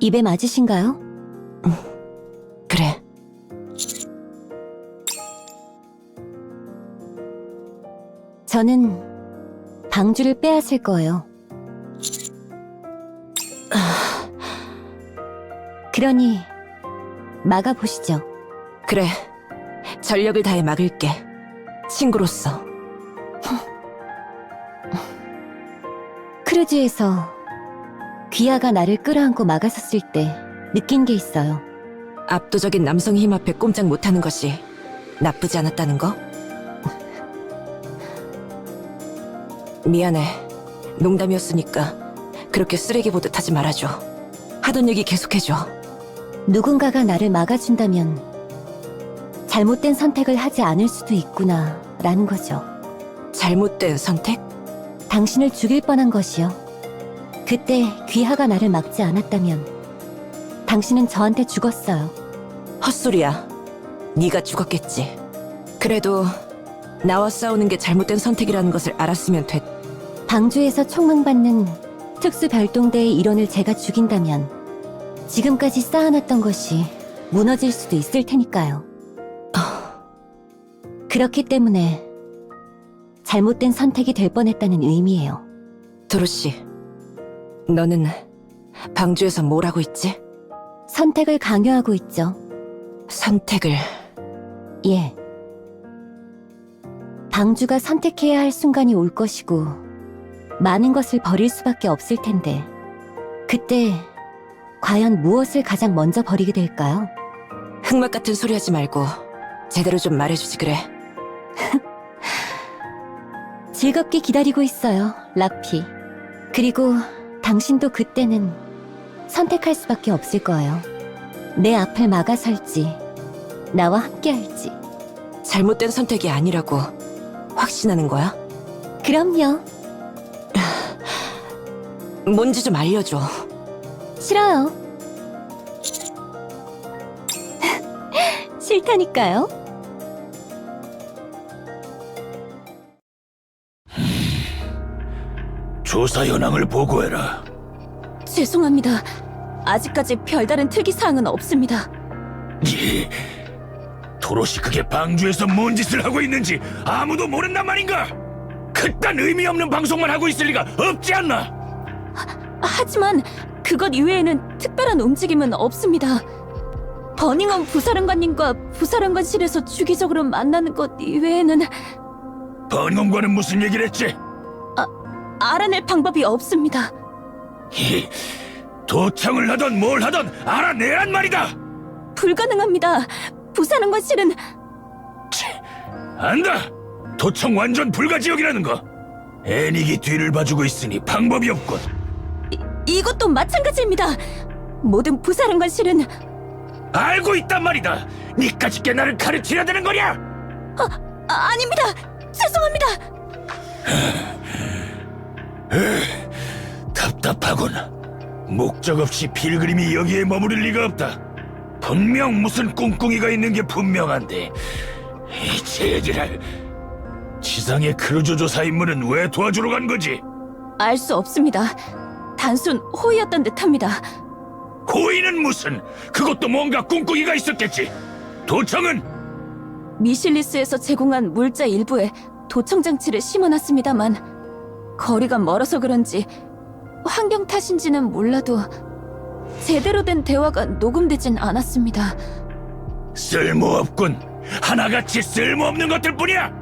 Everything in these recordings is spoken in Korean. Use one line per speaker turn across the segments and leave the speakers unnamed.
입에 맞으신가요?
그래.
저는 방주를 빼앗을 거예요. 그러니 막아보시죠.
그래. 전력을 다해 막을게. 친구로서.
크루즈에서 귀하가 나를 끌어안고 막아섰을 때 느낀 게 있어요.
압도적인 남성 힘 앞에 꼼짝 못하는 것이 나쁘지 않았다는 거? 미안해. 농담이었으니까 그렇게 쓰레기 보듯 하지 말아줘. 하던 얘기 계속해줘.
누군가가 나를 막아준다면 잘못된 선택을 하지 않을 수도 있구나 라는 거죠.
잘못된 선택?
당신을 죽일 뻔한 것이요. 그때 귀하가 나를 막지 않았다면 당신은 저한테 죽었어요.
헛소리야. 네가 죽었겠지. 그래도 나와 싸우는 게 잘못된 선택이라는 것을 알았으면 됐.
방주에서 총망받는 특수별동대의 일원을 제가 죽인다면 지금까지 쌓아놨던 것이 무너질 수도 있을 테니까요. 그렇기 때문에 잘못된 선택이 될 뻔했다는 의미예요.
도로시, 너는 방주에서 뭘 하고 있지?
선택을 강요하고 있죠.
선택을...
예. 방주가 선택해야 할 순간이 올 것이고 많은 것을 버릴 수밖에 없을 텐데 그때 과연 무엇을 가장 먼저 버리게 될까요?
흑막 같은 소리 하지 말고 제대로 좀 말해주지 그래.
즐겁게 기다리고 있어요, 라피. 그리고 당신도 그때는 선택할 수밖에 없을 거예요. 내 앞을 막아설지 나와 함께할지.
잘못된 선택이 아니라고 확신하는 거야?
그럼요.
뭔지 좀 알려줘.
싫어요. 싫다니까요.
조사 현황을 보고해라.
죄송합니다. 아직까지 별다른 특이사항은 없습니다.
예. 도로시 그게 방주에서 뭔 짓을 하고 있는지 아무도 모른단 말인가? 그딴 의미 없는 방송만 하고 있을 리가 없지 않나?
하지만 그것 이외에는 특별한 움직임은 없습니다. 버닝엄 부사령관님과 부사령관실에서 주기적으로 만나는 것 이외에는
버닝엄과는 무슨 얘기를 했지?
알아낼 방법이 없습니다.
도청을 하던 뭘 하던 알아내란 말이다!
불가능합니다. 부사령관실은
안다! 도청 완전 불가지역이라는 거! 애닉이 뒤를 봐주고 있으니 방법이 없군.
이것도 마찬가지입니다. 모든 부사령관실은
알고 있단 말이다! 니까짓 게 나를 가르치려 드는 거냐?
아닙니다. 죄송합니다.
답답하군. 목적 없이 필그림이 여기에 머무를 리가 없다. 분명 무슨 꿍꿍이가 있는 게 분명한데 이 제지랄. 지상의 크루즈 조사 임무는 왜 도와주러 간 거지?
알 수 없습니다. 단순 호의였던 듯합니다.
호의는 무슨? 그것도 뭔가 꿍꿍이가 있었겠지. 도청은?
미실리스에서 제공한 물자 일부에 도청장치를 심어놨습니다만 거리가 멀어서 그런지 환경 탓인지는 몰라도 제대로 된 대화가 녹음되진 않았습니다.
쓸모없군. 하나같이 쓸모없는 것들 뿐이야.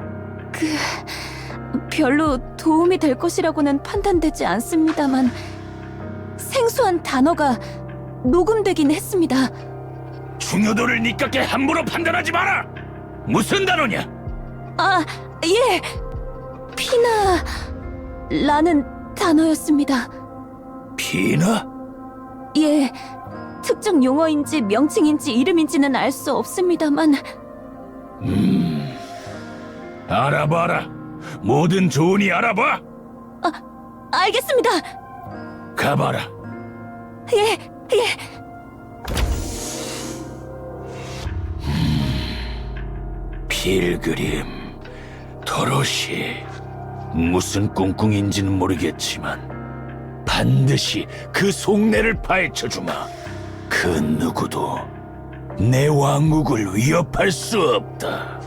별로 도움이 될 것이라고는 판단되지 않습니다만 생소한 단어가 녹음되긴 했습니다.
중요도를 니깎게 함부로 판단하지 마라. 무슨 단어냐?
예! 피나라는 단어였습니다.
피나?
예, 특정 용어인지 명칭인지 이름인지는 알 수 없습니다만
알아봐라. 뭐든 좋으니 알아봐.
알겠습니다.
가봐라.
예.
필그림, 도로시. 무슨 꿍꿍인지는 모르겠지만 반드시 그 속내를 파헤쳐주마. 그 누구도 내 왕국을 위협할 수 없다.